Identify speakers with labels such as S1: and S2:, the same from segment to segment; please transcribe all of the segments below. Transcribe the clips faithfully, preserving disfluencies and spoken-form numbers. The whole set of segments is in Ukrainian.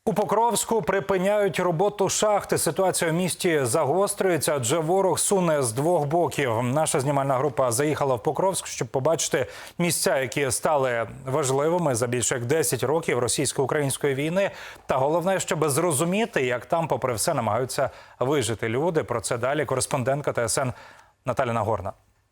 S1: У Покровську припиняють роботу шахти. Ситуація в місті загострюється, адже ворог суне з двох боків. Наша знімальна група заїхала в Покровськ, щоб побачити місця, які стали важливими за більше як десять років російсько-української війни. Та головне, щоб зрозуміти, як там, попри все, намагаються вижити люди. Про це далі кореспондентка Т С Н Наталя Нагорна.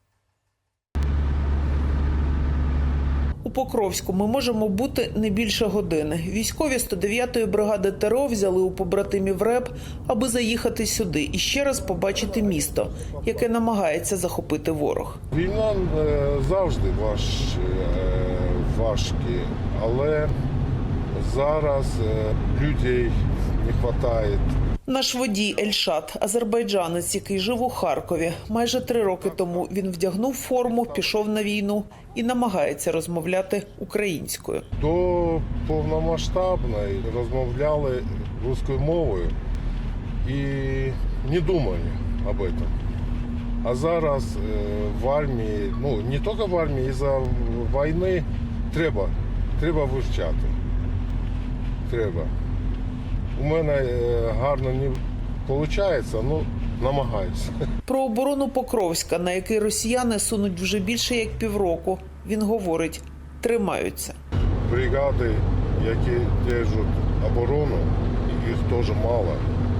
S2: У Покровську ми можемо бути не більше години. Військові сто дев'ятої бригади Т Р О взяли у побратимів РЕБ, аби заїхати сюди і ще раз побачити місто, яке намагається захопити ворог.
S3: Війна завжди важ, важкі, але зараз людей не вистачає.
S2: Наш водій Ельшат – азербайджанець, який жив у Харкові. Майже три роки тому він вдягнув форму, пішов на війну і намагається розмовляти українською.
S3: До повномасштабної розмовляли російською мовою і не думали об этом. А зараз в армії, ну не тільки в армії, із-за війни треба, треба вивчати. Треба. У мене гарно не виходить, але намагаюся.
S2: Про оборону Покровська, на який росіяни сунуть вже більше як півроку, він говорить – тримаються.
S3: Бригади, які держать оборону, їх теж мало.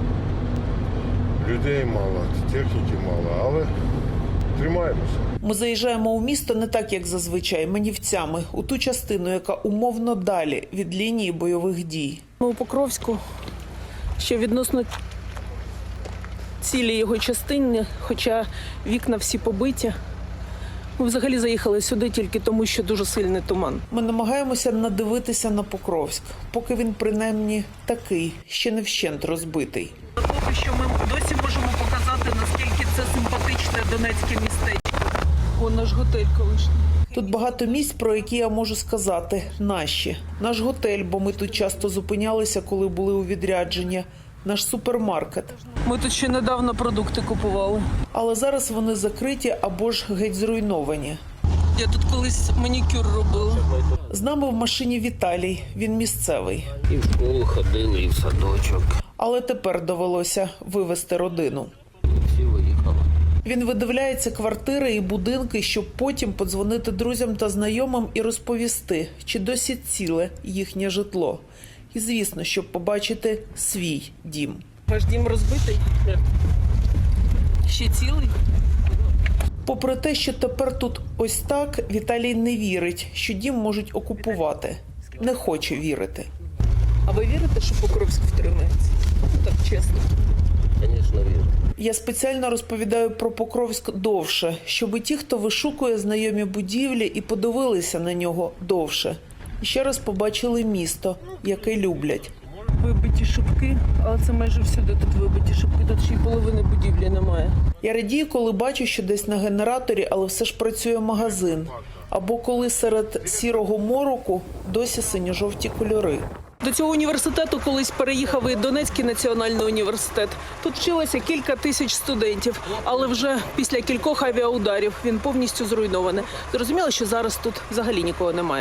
S3: Людей мало, техніки мало, але тримаємося.
S2: Ми заїжджаємо у місто не так, як зазвичай, манівцями, у ту частину, яка умовно далі від лінії бойових дій.
S4: Ми у Покровську ще відносно цілі його частини, хоча вікна всі побиті. Ми взагалі заїхали сюди тільки тому, що дуже сильний туман.
S2: Ми намагаємося надивитися на Покровськ, поки він принаймні такий, ще не вщент розбитий.
S4: Поки що ми досі можемо показати, наскільки це симпатичне донецьке містечко. О, наш готель колишній.
S2: Тут багато місць, про які я можу сказати – наші. Наш готель, бо ми тут часто зупинялися, коли були у відрядженні. Наш супермаркет.
S4: Ми тут ще недавно продукти купували.
S2: Але зараз вони закриті або ж геть зруйновані.
S4: Я тут колись манікюр робила.
S2: З нами в машині Віталій, він місцевий.
S5: І в школу ходили, і в садочок.
S2: Але тепер довелося вивезти родину.
S5: Всі виїхали.
S2: Він видивляється квартири і будинки, щоб потім подзвонити друзям та знайомим і розповісти, чи досі ціле їхнє житло. І, звісно, щоб побачити свій дім.
S4: Ваш дім розбитий? Ще цілий?
S2: Попри те, що тепер тут ось так, Віталій не вірить, що дім можуть окупувати. Не хоче вірити.
S4: А ви вірите, що Покровськ втримається? Так чесно.
S5: Звісно, вірю.
S2: Я спеціально розповідаю про Покровськ довше, щоб ті, хто вишукує знайомі будівлі, і подивилися на нього довше. І ще раз побачили місто, яке люблять.
S4: Вибиті шибки, але це майже всюди тут вибиті шибки, тут ще й половини будівлі немає.
S2: Я радію, коли бачу, що десь на генераторі, але все ж працює магазин. Або коли серед сірого мороку досі синьо-жовті кольори.
S4: До цього університету колись переїхав і Донецький національний університет. Тут вчилося кілька тисяч студентів, але вже після кількох авіаударів він повністю зруйнований. Зрозуміло, що зараз тут взагалі нікого немає.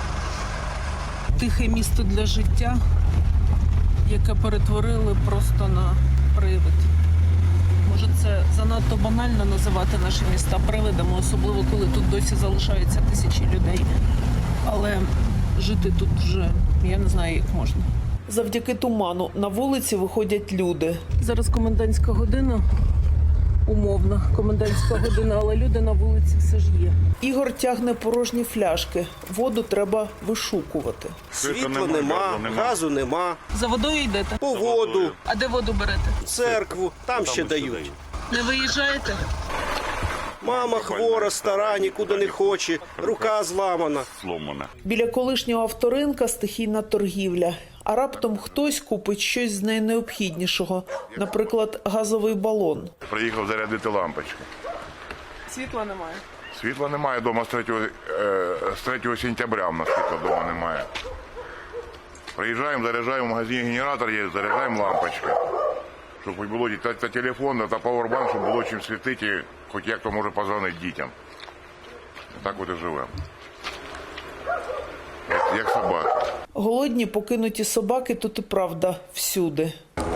S4: Тихе місто для життя, яке перетворили просто на привид. Може, це занадто банально називати наші міста привидами, особливо коли тут досі залишаються тисячі людей. Але жити тут вже, я не знаю, як можна.
S2: Завдяки туману на вулиці виходять люди.
S4: Зараз комендантська година, умовна комендантська година, але люди на вулиці все ж є.
S2: Ігор тягне порожні фляшки. Воду треба вишукувати.
S6: Світла нема, газу нема.
S4: За водою йдете?
S6: По воду,
S4: А де воду берете?
S6: церкву, там ще дають.
S4: Не виїжджаєте?
S6: Мама хвора, стара, нікуди не хоче, рука зламана.
S2: Біля колишнього авторинка стихійна торгівля. А раптом хтось купить щось з найнеобхіднішого. Наприклад, газовий балон.
S7: Приїхав зарядити лампочки.
S4: Світла немає.
S7: Світла немає вдома з третього, е, з третього сентября, в нас світла вдома немає. Приїжджаємо, заряджаємо, в магазині генератор є, заряджаємо лампочки. Щоб хоч було та, та телефон, та пауербанк, щоб було чим світити, хоч як то може позвонити дітям. Так от і живемо. Як, як собака.
S2: Голодні покинуті собаки тут і правда всюди.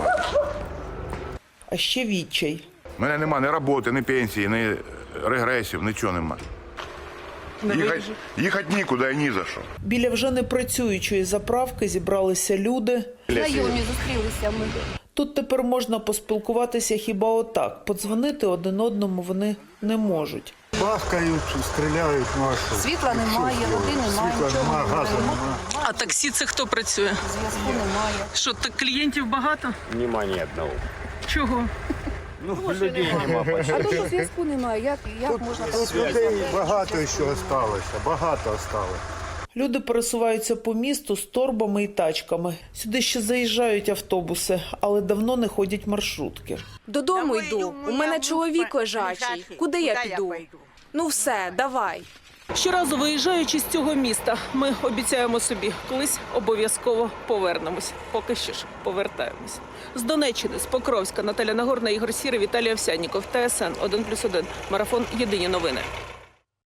S2: А ще відчай.
S7: У мене нема ні роботи, ні пенсії, ні регресів, нічого нема. Їхати, їхати нікуди і ні за що.
S2: Біля вже непрацюючої заправки зібралися люди.
S8: Знайомі зустрілися ми.
S2: Тут тепер можна поспілкуватися хіба отак. Подзвонити один одному вони не можуть.
S9: Бахкають, стріляють, ну а що?
S8: Світла немає, води немає,
S9: Світла
S8: нічого
S9: немає, газу
S8: немає.
S9: немає.
S4: А таксі це хто працює?
S8: Зв'язку немає.
S4: Що, так клієнтів багато?
S10: Нема ні одного.
S4: Чого?
S10: Ну, людей нема почти.
S8: А тут зв'язку немає. Як, як можна
S9: Тут людей багато ще осталося, багато осталось.
S2: Люди пересуваються по місту з торбами і тачками. Сюди ще заїжджають автобуси, але давно не ходять маршрутки.
S11: Додому йду. У мене чоловік лежачий. Куди я піду? Ну все, давай.
S4: Щоразу виїжджаючи з цього міста, ми обіцяємо собі, колись обов'язково повернемось. Поки що ж повертаємось. З Донеччини, з Покровська, Наталя Нагорна, Ігор Сірий, Віталій Овсянніков, Т С Н один плюс один. Марафон «Єдині новини».